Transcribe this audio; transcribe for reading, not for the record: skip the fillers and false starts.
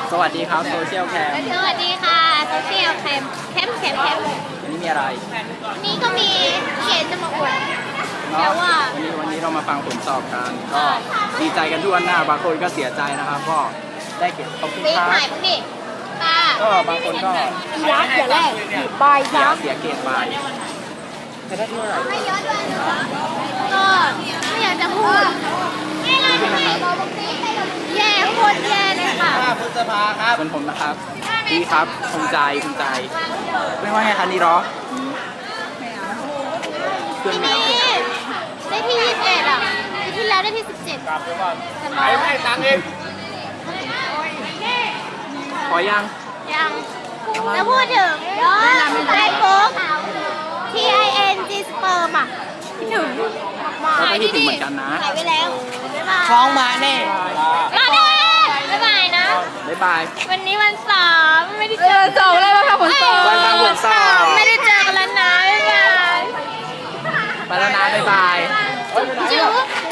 สวัสดีครับโซเชียลแคมสวัสดีค่ะโซเชียลแคมวันนี้มีอะไรนี่ก็มีเกณฑ์จะมาอวดเนาะวันนี้เรามาฟังผลสอบกันก็ดีใจกันทั่วหน้าบางคนก็เสียใจนะครับก็ได้เก็บขอบคุณปีครัใหม่บปุ๊บดิตาก็บางคนก็ยักษ์อย่าแรกใบยักษ์เสียเกรดไปจะได้เท่าไหร่ให้เยอะด้วยนะก็ไม่อยากจะพูดแย่โคตรแย่เลยค่ะพฤษภาครับเป็นผมนะครับดีครับภูมิใจไม่ว่าไงคะนี่หรอเพื่อนทีไม่นี้ได้ที่21อ่ะปีที่แล้วได้ที่17 ใครไม่ตังเองขอยังยังแล้วพูดถึงไอโฟก TING Sperm อ่ะคิดถึงเราก็คิดถึงเหมือนกันนะหายไปแล้วฟ้องมาแน่มาได้บ๊ายบายนะบ๊ายบายวันนี้วันเสาร์ไม่ได้เจอสอบอะไรมาค่ะผลสอบวันผลสอบไม่ได้เจอกันแล้วนะบ๊ายบายไปแล้วนะบ๊ายบายจุ๊บ